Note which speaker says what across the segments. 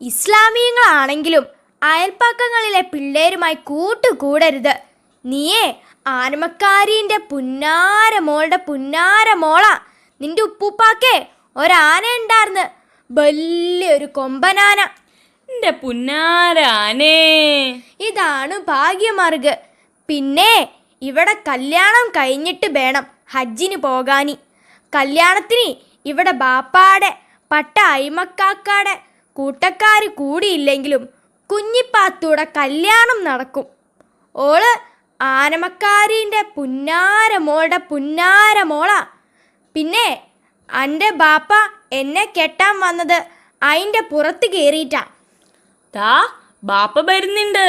Speaker 1: ഇസ്ലാമിയങ്ങളാണെങ്കിലും അയൽപ്പക്കങ്ങളിലെ പിള്ളേരുമായി കൂട്ടുകൂടരുത്. നീയേ ആനമക്കാരീൻ്റെ പുന്നാര മോളുടെ പുന്നാര മോളാ. നിന്റെ ഉപ്പൂപ്പാക്കേ ഒരാന ഉണ്ടായിരുന്നു, വലിയൊരു കൊമ്പനാന.
Speaker 2: എന്റെ പുന്നാര ആനേ,
Speaker 1: ഇതാണ് ഭാഗ്യമാർഗ്. പിന്നെ ഇവിടെ കല്യാണം കഴിഞ്ഞിട്ട് വേണം ഹജ്ജിന് പോകാനി. കല്യാണത്തിന് ഇവിടെ ബാപ്പാടെ പട്ട അയിമക്കാക്കാടെ കൂട്ടക്കാർ കൂടിയില്ലെങ്കിലും കുഞ്ഞിപ്പാത്തൂടെ കല്യാണം നടക്കും. ഓള് ആനമക്കാരീൻ്റെ പുന്നാര മോളുടെ പുന്നാര മോളാ. പിന്നെ എൻ്റെ ബാപ്പ എന്നെ കെട്ടാൻ വന്നത് അതിൻ്റെ പുറത്ത് കയറിയിട്ടാ.
Speaker 2: താ ബാപ്പ വരുന്നുണ്ട്.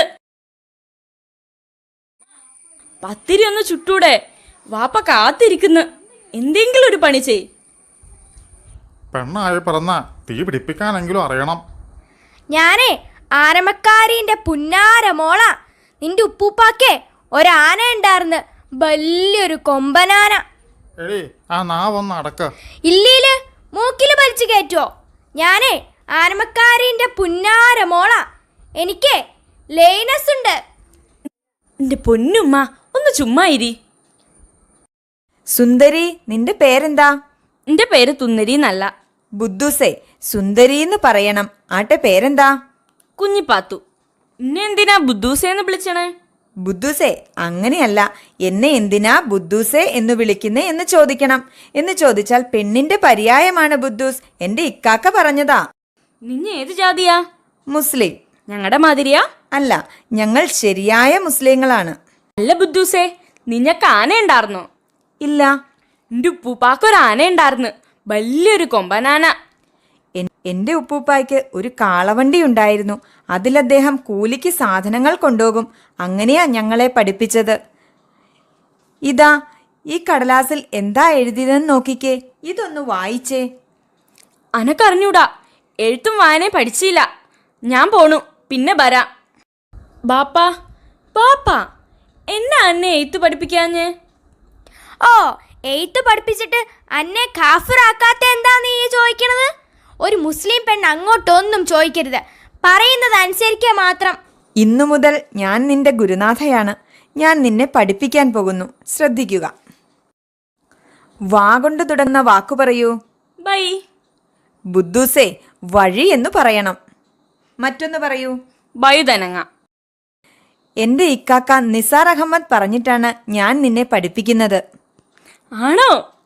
Speaker 2: പത്തിരി ഒന്ന് ചുട്ടൂടെ? വാപ്പ കാത്തിരിക്കുന്നു. എന്തെങ്കിലും ഒരു പണി ചെയ്.
Speaker 3: പെണ്ണായി പിറന്ന തീ പിടിപ്പിക്കാനെങ്കിലും അറിയണം.
Speaker 1: ഞാനേ ആനമക്കാരീൻ്റെ പുന്നാര മോളാ. നിന്റെ ഉപ്പൂപ്പാക്കേ ഒരാന ഉണ്ടായിരുന്നു, വലിയൊരു കൊമ്പനാന.
Speaker 3: എടി ആ നാവൊന്ന് അടക്ക.
Speaker 1: ഇല്ലീല് മൂക്കില് വലിച്ചു കയറ്റുവോ? ഞാനേ ആനമക്കാരീൻ്റെ പുന്നാര മോളാ. എനിക്ക് ലൈനസ് ഉണ്ട്.
Speaker 2: എന്റെ പൊന്നുമ്മ ഒന്ന് ചുമ്മാ ഇരി.
Speaker 4: സുന്ദരി, നിന്റെ പേരെന്താ?
Speaker 2: എന്റെ പേര് തുന്നരി എന്നല്ല,
Speaker 4: ബുദ്ധൂസേ. സുന്ദരിന്ന് പറയണം. ആട്ടെ പേരെന്താ?
Speaker 2: കുഞ്ഞിപ്പാത്തു. എന്നെ എന്തിനാ ബുദ്ധൂസേന്ന് വിളിച്ചണേ?
Speaker 4: ബുദ്ധൂസേ അങ്ങനെയല്ല, എന്നെ എന്തിനാ ബുദ്ധൂസേ എന്ന് വിളിക്കുന്നേ എന്ന് ചോദിക്കണം. എന്ന് ചോദിച്ചാൽ പെണ്ണിന്റെ പര്യായമാണ് ബുദ്ധൂസ്. എന്റെ ഇക്കാക്ക പറഞ്ഞതാ.
Speaker 2: നിന്നെ ഏത് ജാതിയാ?
Speaker 4: മുസ്ലിം.
Speaker 2: ഞങ്ങളുടെ മാതിരിയാ?
Speaker 4: അല്ല, ഞങ്ങൾ ശരിയായ മുസ്ലിങ്ങളാണ്.
Speaker 2: അല്ല ബുദ്ധൂസേ, നിനക്ക് ആന ഉണ്ടായിരുന്നോ?
Speaker 4: ഇല്ല.
Speaker 2: എന്റെ ഉപ്പൂപ്പാക്കൊരു ആന ഉണ്ടായിരുന്നു, വലിയൊരു കൊമ്പനാന.
Speaker 4: എന്റെ ഉപ്പൂപ്പായ്ക്ക് ഒരു കാളവണ്ടി ഉണ്ടായിരുന്നു. അതിൽ അദ്ദേഹം കൂലിക്ക് സാധനങ്ങൾ കൊണ്ടുപോകും. അങ്ങനെയാ ഞങ്ങളെ പഠിപ്പിച്ചത്. ഇതാ ഈ കടലാസിൽ എന്താ എഴുതിയതെന്ന് നോക്കിക്കേ. ഇതൊന്ന് വായിച്ചേ.
Speaker 2: അനക്കറിഞ്ഞൂടാ, എഴുത്തും വായനയും പഠിച്ചില്ല. ഞാൻ പോണു, പിന്നെ വരാം. ബാപ്പാ ബാപ്പാ, എന്നെ അന്നെ എഴുത്ത് പഠിപ്പിക്കാഞ്ഞേ?
Speaker 1: ഓ, എയ്ത്ത് പഠിപ്പിച്ചിട്ട് അന്നെ കാഫിറാക്കാത്ത എന്താ നീ ചോദിക്കണത്? ഒരു മുസ്ലിം പെണ്ണ് അങ്ങോട്ടൊന്നും ചോദിക്കരുത്, പറയുന്നത് അനുസരിക്കുക മാത്രം.
Speaker 4: ഇന്നു മുതൽ ഞാൻ നിന്റെ ഗുരുനാഥയാണ്. ഞാൻ നിന്നെ പഠിപ്പിക്കാൻ പോകുന്നു. ശ്രദ്ധിക്കുക. വാ കൊണ്ട് തുടങ്ങുന്ന വാക്കു പറയൂ.
Speaker 2: ബൈ.
Speaker 4: ബുദ്ധൂസേ, വഴി എന്ന് പറയണം. മറ്റൊന്ന് പറയൂ.
Speaker 2: വയുതനങ്ങ.
Speaker 4: എന്റെ ഇക്കാക്ക നിസാർ അഹമ്മദ് പറഞ്ഞിട്ടാണ് ഞാൻ നിന്നെ പഠിപ്പിക്കുന്നത്.
Speaker 2: ആണോ?